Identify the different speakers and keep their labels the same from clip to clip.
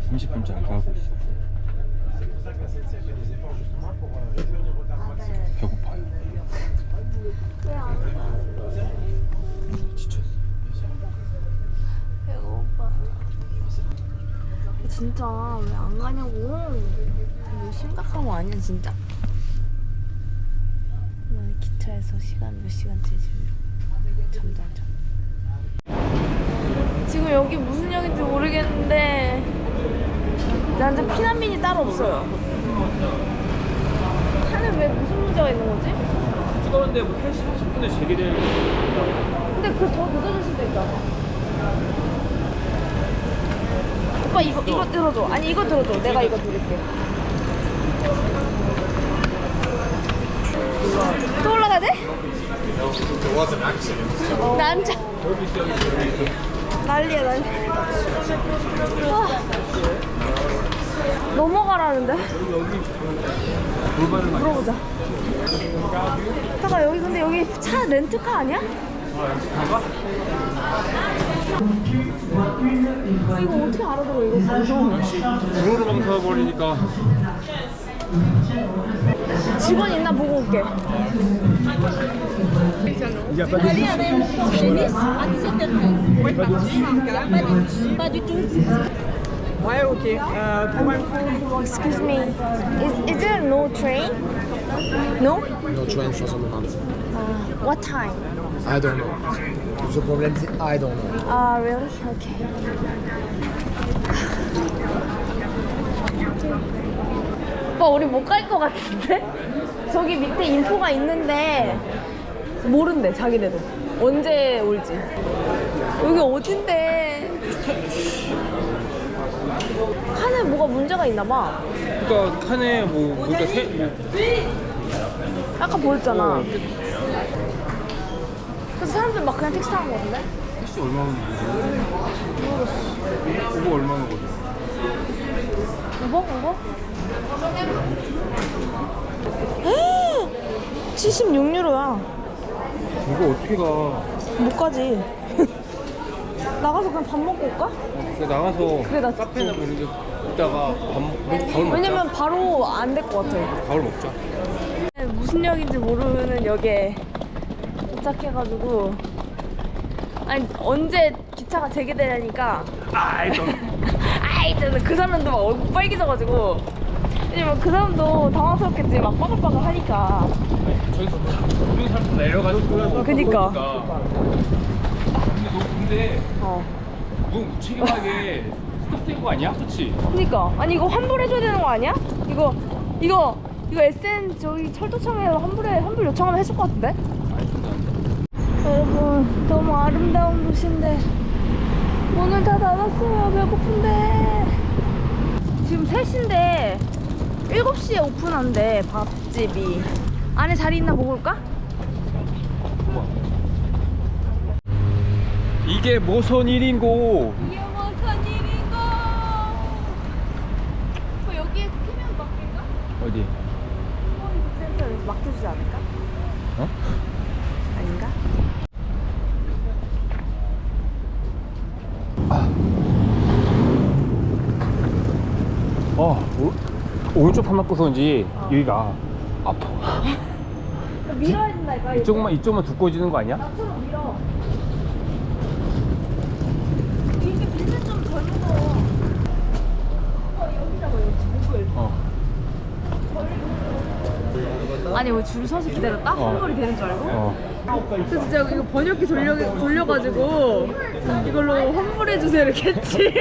Speaker 1: 30분째 안 가고 있어. 배고파요. 지쳤어.
Speaker 2: 배고파. 진짜 왜 안 가냐고. 이거 심각한 거 아니야 진짜? 기차에서 시간 몇 시간째 지금 잠도 안 자. 지금 여기 무슨 역인지 모르겠는데 나한테 피난민이 따로 없어요. 차는 왜 무슨 문제가 있는 거지?
Speaker 1: 뜨거운데 뭐 8시 30분에 재개될.
Speaker 2: 근데 그 더 늦어질 수도 있잖아. 오빠 이거 들어줘. 아니 이거 들어줘. 내가 이거 드릴게. 또 올라가야 돼? 나 앉아. 난리야 난리. 넘어가라는데? 물어보자. 잠깐 여기 근데 여기 차 렌트카 아니야? 이거 어떻게 알아들어 이거 무서워.
Speaker 1: 중으로 망설여버리니까.
Speaker 2: 직원 있나 보고 올게.
Speaker 3: Ouais, ok. Pour info.
Speaker 2: Excuse me. Is there no train? No?
Speaker 4: No train for the moment.
Speaker 2: What time?
Speaker 4: I don't know. The problem is I don't know.
Speaker 2: Ah, really? Okay. 오빠 우리 못 갈 것 같은데? 저기 밑에 인포가 있는데 모른대 자기네도 언제 올지. 여기 어딘데? 칸에 뭐가 문제가 있나 봐.
Speaker 1: 그러니까 칸에 그러니까
Speaker 2: 아까 보였잖아. 그래서 사람들 막 그냥 택시 타는 거 같은데?
Speaker 1: 택시 얼마 오는 거지? 오버 얼마나 거지?
Speaker 2: 우버? 76유로야.
Speaker 1: 이거 어떻게 가?
Speaker 2: 못 가지. 나가서 그냥 밥 먹고 올까?
Speaker 1: 나가서
Speaker 2: 그래, 나
Speaker 1: 카페나 뭐 이런 데 있다가 밥을 먹자.
Speaker 2: 왜냐면 바로 안 될 것 같아.
Speaker 1: 밥을 먹자.
Speaker 2: 무슨 역인지 모르는 역에 도착해가지고 아니 언제 기차가 재개되냐니까 저는 그 사람도 막 얼굴 빨개져가지고 왜냐면 그 사람도 당황스럽겠지 막 빠글빠글 하니까.
Speaker 1: 저기서 모든 사람 내려가지고.
Speaker 2: 그니까.
Speaker 1: 근데
Speaker 2: 어.
Speaker 1: 너무 무책임하게 스톱된 거 아니야? 그치?
Speaker 2: 그니까 아니 이거 환불해줘야 되는 거 아니야? 이거 SN 저기 철도청에서 환불 요청하면 해줄 것 같은데? 여러분 너무 아름다운 도시인데 문을 다 닫았어요. 배고픈데. 지금 3시인데 7시에 오픈한대 밥집이. 안에 자리 있나 보고 올까?
Speaker 1: 이게 무슨 일인고?
Speaker 2: 이게 무슨 일인고? 여기에 키면 맡길까?
Speaker 1: 어디?
Speaker 2: 센터에서 맡겨주지 않을까?
Speaker 1: 어?
Speaker 2: 아닌가?
Speaker 1: 오른쪽 판 맞고서 그런지 여기가 아파.
Speaker 2: 밀어야 된다니까.
Speaker 1: 이쪽만 두꺼워지는 거 아니야?
Speaker 2: 나처럼 밀어. 이렇게 밀면 좀 덜 무거워. 여기다가 여기 목을. 아니 왜 줄 서서 기다렸다? 환불이 되는 줄 알고? 그래서 진짜 이거 번역기 돌려가지고 이걸로 환불해주세요 이렇게 했지.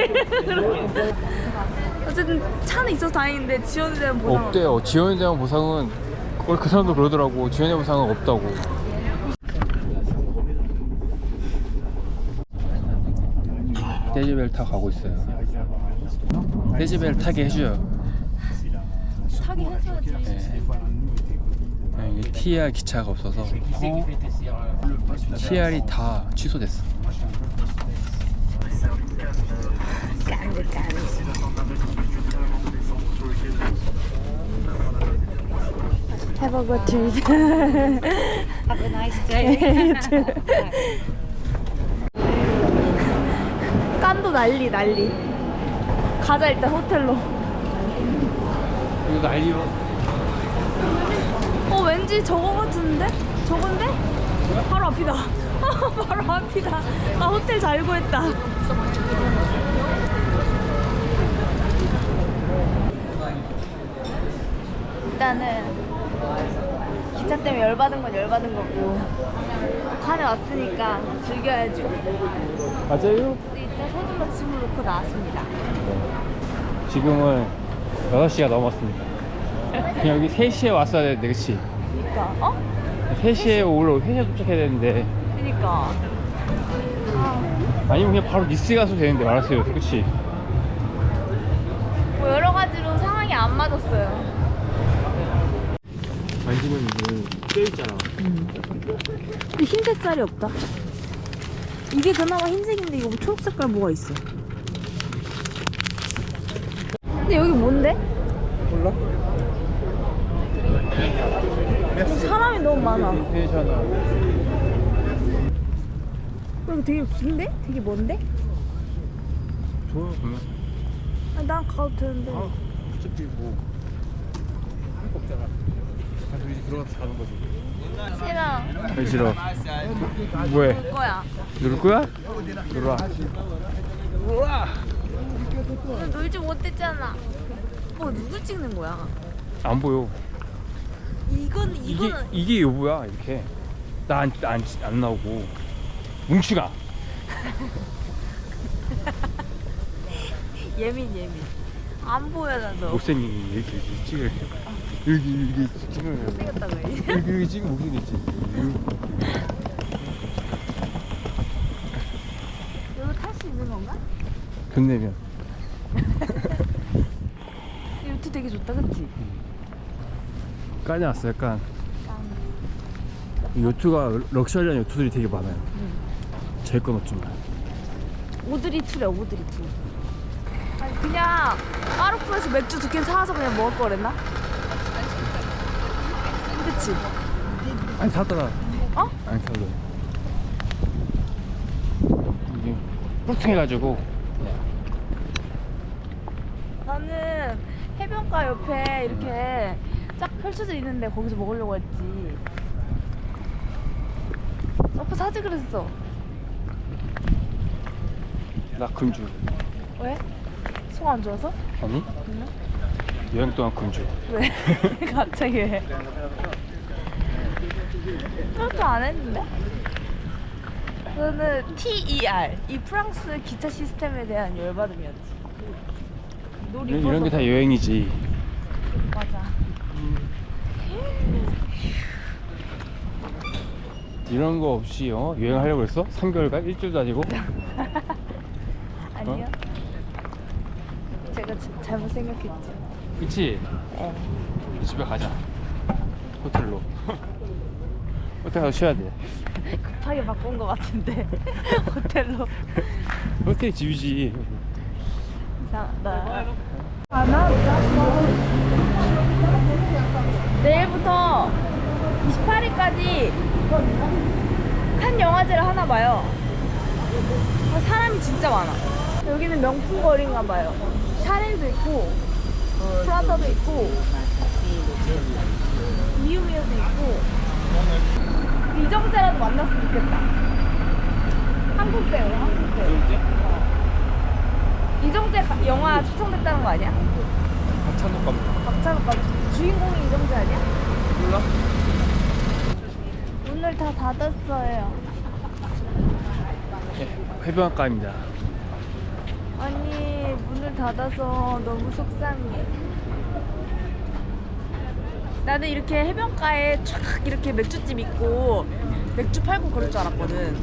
Speaker 2: 어쨌든 차는 있어서 다행인데 지원에 대한 보상
Speaker 1: 없대요. 지원에 대한 보상은 그 사람도 그러더라고. 지원에 대한 보상은 없다고. 데지벨 타 가고 있어요. 데지벨 타게 해줘요.
Speaker 2: 타게 해줘야지.
Speaker 1: 네. 이게 TR 기차가 없어서 TR이 다 취소됐어.
Speaker 2: Have a good trip.
Speaker 5: Have a nice day.
Speaker 2: 깐도 난리. 가자 일단 호텔로.
Speaker 1: 이거 난리로.
Speaker 2: 왠지 저거 같은데? 저건데? 바로 앞이다. 바로 앞이다. 나 호텔 잘 구했다. 일단은 기차 때문에 열받은 건 열받은 거고 칸에 왔으니까 즐겨야죠.
Speaker 1: 맞아요?
Speaker 2: 일단 서둘러 짐을 놓고 나왔습니다.
Speaker 1: 지금은 6시가 넘었습니다. 그냥 여기 3시에 왔어야 되는데, 그치?
Speaker 2: 그니까
Speaker 1: 3시에 원래 3시에 도착해야 되는데.
Speaker 2: 그니까
Speaker 1: 아니면 그냥 바로 니스 가서 되는데 말았어요, 그치?
Speaker 2: 뭐 여러 가지로 상황이 안 맞았어요.
Speaker 1: 만지면 이거 껴있잖아.
Speaker 2: 근데 흰색 쌀이 없다. 이게 그나마 흰색인데 이거 초록 색깔 뭐가 있어? 근데 여기 뭔데?
Speaker 4: 몰라?
Speaker 2: 사람이 너무 많아.
Speaker 1: 괜찮아.
Speaker 2: 이거 되게 긴데? 되게 먼데?
Speaker 1: 좋아, 그러면.
Speaker 2: 아니, 난 가도 되는데.
Speaker 1: 어차피 뭐 할 거 없잖아. 가서 이제 들어가서 자는 거지.
Speaker 2: 싫어.
Speaker 1: 왜 싫어? 뭐해?
Speaker 2: 볼 거야.
Speaker 1: 누를 거야? 눌러와.
Speaker 2: 너 놀지 못했잖아. 누굴 찍는 거야?
Speaker 1: 안 보여.
Speaker 2: 이거는
Speaker 1: 이게 여보야, 이렇게. 나 안 나오고. 뭉치가.
Speaker 2: 예민. 안 보여 나도.
Speaker 1: 못생긴 이렇게 찍을. 여기 찍으면.
Speaker 2: 생겼다고 해.
Speaker 1: 여기 찍으면 못생겼지.
Speaker 2: 이거 탈 수 있는 건가?
Speaker 1: 돈 내면.
Speaker 2: 이 요트 되게 좋다, 그치?
Speaker 1: 까지 왔어, 약간. 이 요트가 럭셔리한 요트들이 되게 많아요. 제 건 없지만.
Speaker 2: 오드리 투래, 오드리 투. 아니 그냥 까르푸에서 맥주 2캔 사와서 그냥 먹을 거랬나? 그치?
Speaker 1: 아니 사더라.
Speaker 2: 어?
Speaker 1: 아니 사더라. 이게 뿔퉁해가지고.
Speaker 2: 나는 해변가 옆에 이렇게 쫙 펼쳐져 있는데 거기서 먹으려고 했지. 서프 사지 그랬어.
Speaker 1: 나 금주.
Speaker 2: 왜? 속 안 좋아서?
Speaker 1: 아니?
Speaker 2: 그냥?
Speaker 1: 여행 동안 금주.
Speaker 2: 왜? 갑자기 왜? 그것도 안 했는데? 그거는 TER, 이 프랑스 기차 시스템에 대한 열받음이었지.
Speaker 1: 이런 게 다 여행이지.
Speaker 2: 맞아.
Speaker 1: 이런 거 없이 여행하려고 했어? 3개월간? 일주일도 아니고?
Speaker 2: 아니요. 제가 잘못 생각했죠.
Speaker 1: 그치?
Speaker 2: 네.
Speaker 1: 집에 가자. 호텔로. 호텔 가서 쉬어야 돼.
Speaker 2: 급하게 바꾼 것 같은데 호텔로.
Speaker 1: 호텔이 집이지.
Speaker 2: 이상하다. 내일부터 28일까지 칸 영화제를 하나 봐요. 사람이 진짜 많아. 여기는 명품 거리인가 봐요. 샤넬도 있고 프라다도 있고 미우미우도 있고. 이정재라도 만났으면 좋겠다. 한국 배우, 한국 배우. 이정재 영화 추천됐다는 거 아니야?
Speaker 1: 박찬욱 감독.
Speaker 2: 박찬욱 감독. 주인공이 이정재 아니야?
Speaker 1: 몰라?
Speaker 2: 문을 다 닫았어요.
Speaker 1: 해변가입니다.
Speaker 2: 아니 문을 닫아서 너무 속상해. 나는 이렇게 해변가에 촥 이렇게 맥주집 있고 맥주 팔고 그럴 줄 알았거든.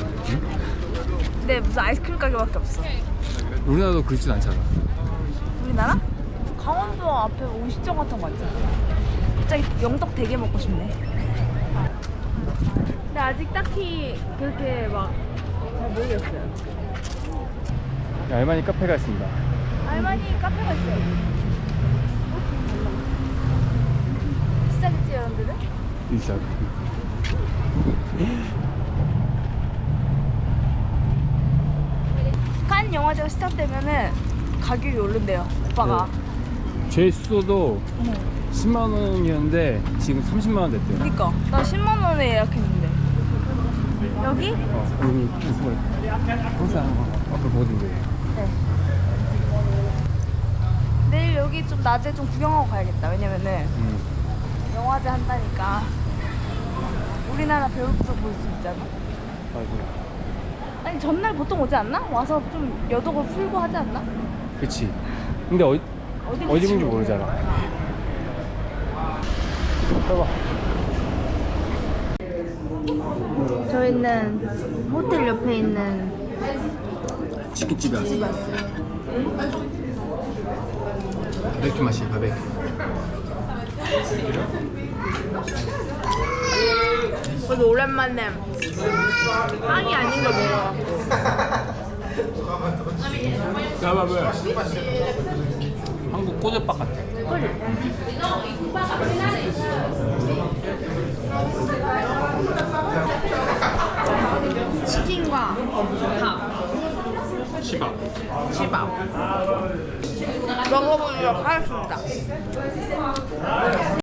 Speaker 2: 근데 무슨 아이스크림 가게밖에 없어.
Speaker 1: 우리나라도 그렇진 않잖아.
Speaker 2: 우리나라? 강원도 앞에 오시정 같은 거 있잖아. 갑자기 영덕 되게 먹고 싶네. 근데 아직 딱히 그렇게 막 잘 모르겠어요.
Speaker 1: 알마니 카페가 있습니다.
Speaker 2: 알마니 카페가 있어요. 시작했지 여러분들은?
Speaker 1: 인사.
Speaker 2: 칸 영화제가 시작되면은 가격이 오른대요 오빠가.
Speaker 1: 제 숙소도 10만 원이었는데 지금 30만 원 됐대요.
Speaker 2: 그니까 나 10만 원에 예약했는데. 여기?
Speaker 1: 여기 무슨 항상 앞을 보거든요.
Speaker 2: 네. 내일 여기 좀 낮에 좀 구경하고 가야겠다. 왜냐면은 영화제 한다니까 우리나라 배우도 볼 수 있잖아.
Speaker 1: 아이고.
Speaker 2: 아니 전날 보통 오지 않나? 와서 좀 여독을 풀고 하지 않나?
Speaker 1: 그치. 근데 어디 있는지 모르잖아. 봐봐.
Speaker 2: 저희는 호텔 옆에 있는
Speaker 1: 치킨집에 왔어요. 바베큐 맛이에요, 바베큐.
Speaker 2: 그래도 오랜만에 빵이 아닌 걸 먹어.
Speaker 1: 야바왜? 한국 꼬들밥 같아.
Speaker 2: 치킨과 밥,
Speaker 1: 치밥.
Speaker 2: 먹어보도록 하겠습니다.